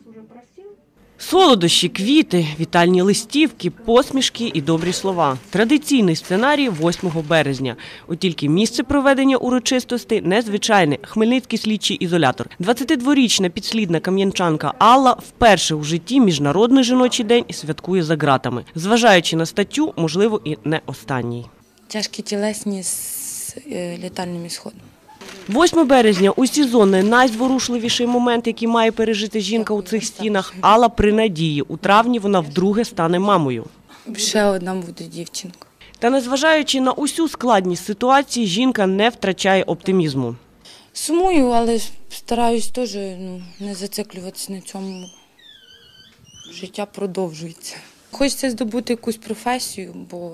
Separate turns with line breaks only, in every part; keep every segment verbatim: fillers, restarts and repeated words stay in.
Солодощі, квіти, вітальні листівки, посмішки і добрі слова. Традиційний сценарій восьмого березня. От тільки місце проведення урочистостей незвичайне – Хмельницький слідчий ізолятор. двадцятидворічна підслідна кам'янчанка Алла вперше у житті Міжнародний жіночий день святкує за ґратами. Зважаючи на статтю, можливо, і не останній.
Тяжкі тілесні з летальним ісходом.
восьме березня – усі зони найзворушливіший момент, який має пережити жінка у цих стінах. Алла при надії. У травні вона вдруге стане мамою.
Ще одна буде дівчинка.
Та незважаючи на усю складність ситуації, жінка не втрачає оптимізму.
Сумую, але стараюсь теж ну, не зациклюватися на цьому. Життя продовжується. Хочеться здобути якусь професію, бо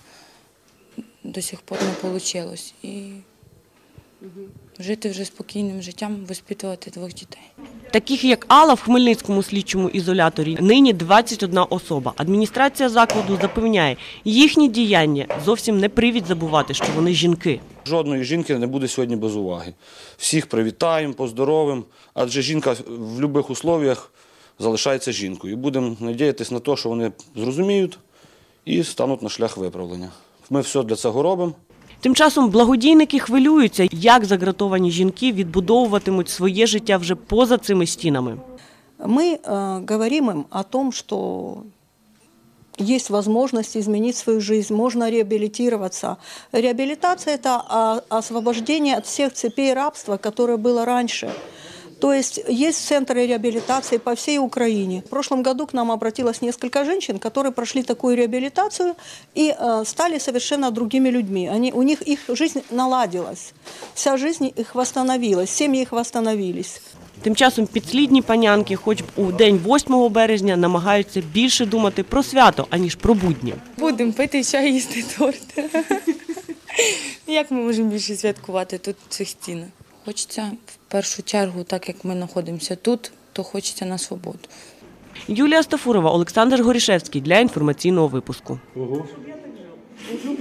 до сих пор не вийшло. І жити вже спокійним життям, воспитувати двох дітей.
Таких, як Алла, в Хмельницькому слідчому ізоляторі нині двадцять одна особа. Адміністрація закладу запевняє, їхні діяння зовсім не привід забувати, що вони жінки.
Жодної жінки не буде сьогодні без уваги. Всіх привітаємо, поздоровимо, адже жінка в будь-яких умовах залишається жінкою. І будемо сподіватися на те, що вони зрозуміють і стануть на шлях виправлення. Ми все для цього робимо.
Тим часом благодійники хвилюються, як загратовані жінки відбудовуватимуть своє життя вже поза цими стінами.
Ми э, говоримо їм о том, що є можливість змінити свою життя, можна реабілітуватися. Реабілітація – це освобождення від всіх цепей рабства, яке було раніше. То есть есть центры реабилитации по всей Украине. В прошлом году к нам обратилось несколько женщин, которые прошли такую реабилитацию и э, стали совершенно другими людьми. Они, у них их жизнь наладилась, вся жизнь их восстановилась, семьи их восстановились.
Тим часом підслідні панянки, хоч б у день восьмого березня, намагаються більше думати про свято, аніж про будні.
Будемо пити чай, їсти торт. Як ми можемо більше святкувати тут в цих стінах? Хочеться в першу чергу, так як ми знаходимося тут, то хочеться на свободу.
Юлія Стафурова, Олександр Горішевський для інформаційного випуску. Угу.